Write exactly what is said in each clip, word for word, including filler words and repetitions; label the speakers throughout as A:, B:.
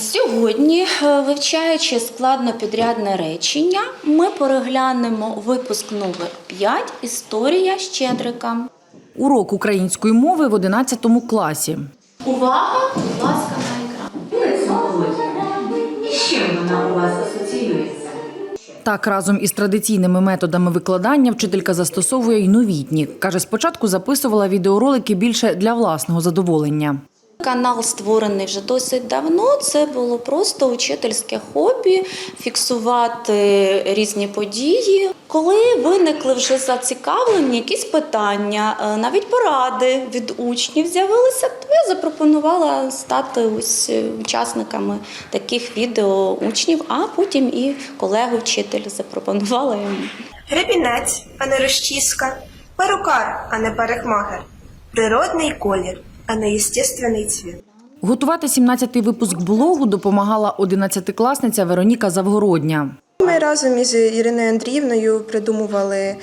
A: Сьогодні, вивчаючи складнопідрядне речення, ми переглянемо випуск номер п'ять «Історія Щедрика».
B: Урок української мови в одинадцятому класі.
A: Увага, будь ласка, на екран.
C: І з чим вона у вас асоціюється?
B: Так, разом із традиційними методами викладання вчителька застосовує й новітні. Каже, спочатку записувала відеоролики більше для власного задоволення.
A: Канал створений вже досить давно, це було просто учительське хобі, фіксувати різні події. Коли виникли вже зацікавлені якісь питання, навіть поради від учнів з'явилися, то я запропонувала стати ось учасниками таких відео учнів, а потім і колегу-вчитель запропонувала йому.
D: Гребінець, а не розчіска, перукар, а не парикмахер, природний колір, а не естественний цвіт.
B: Готувати сімнадцятий випуск блогу допомагала одинадцятикласниця Вероніка Завгородня.
D: Ми разом із Іриною Андріївною придумували,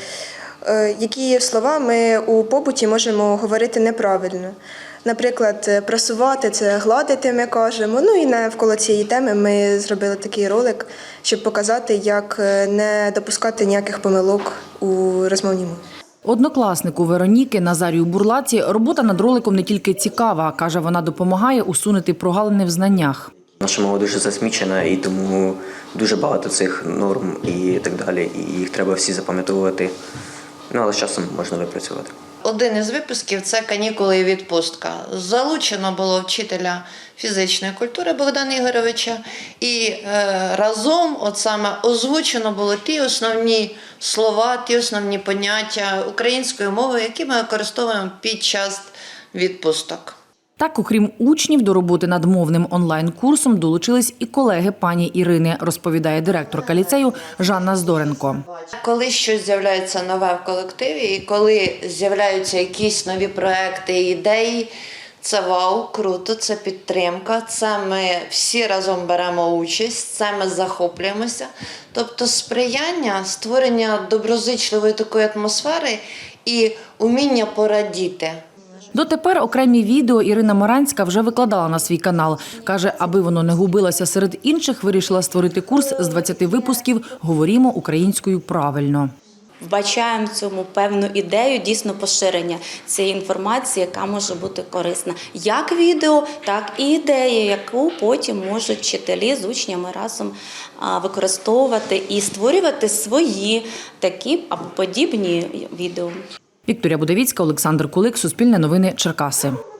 D: які слова ми у побуті можемо говорити неправильно. Наприклад, прасувати – це гладити, ми кажемо. Ну і навколо цієї теми ми зробили такий ролик, щоб показати, як не допускати ніяких помилок у розмовній мові.
B: Однокласнику Вероніки Назарію Бурлаці робота над роликом не тільки цікава, каже, вона допомагає усунути прогалини в знаннях.
E: Наша мова дуже засмічена, і тому дуже багато цих норм і так далі, і їх треба всі запам'ятовувати, ну, але з часом можна випрацювати.
F: Один із випусків – це «Канікули і відпустка». Залучено було вчителя фізичної культури Богдана Ігоровича, і е, разом от саме озвучено було ті основні слова, ті основні поняття української мови, які ми використовуємо під час відпусток.
B: Так, окрім учнів, до роботи над мовним онлайн-курсом долучились і колеги пані Ірини, розповідає директорка ліцею Жанна Здоренко.
F: Коли щось з'являється нове в колективі і коли з'являються якісь нові проекти і ідеї, це вау, круто, це підтримка, це ми всі разом беремо участь, це ми захоплюємося. Тобто сприяння, створення доброзичливої такої атмосфери і уміння порадіти.
B: Дотепер окремі відео Ірина Маранська вже викладала на свій канал. Каже, аби воно не губилося серед інших, вирішила створити курс з двадцяти випусків «Говорімо українською правильно».
A: Вбачаємо в цьому певну ідею дійсно поширення цієї інформації, яка може бути корисна. Як відео, так і ідея, яку потім можуть вчителі з учнями разом використовувати і створювати свої такі або подібні відео.
B: Вікторія Будовіцька, Олександр Кулик, Суспільне новини, Черкаси.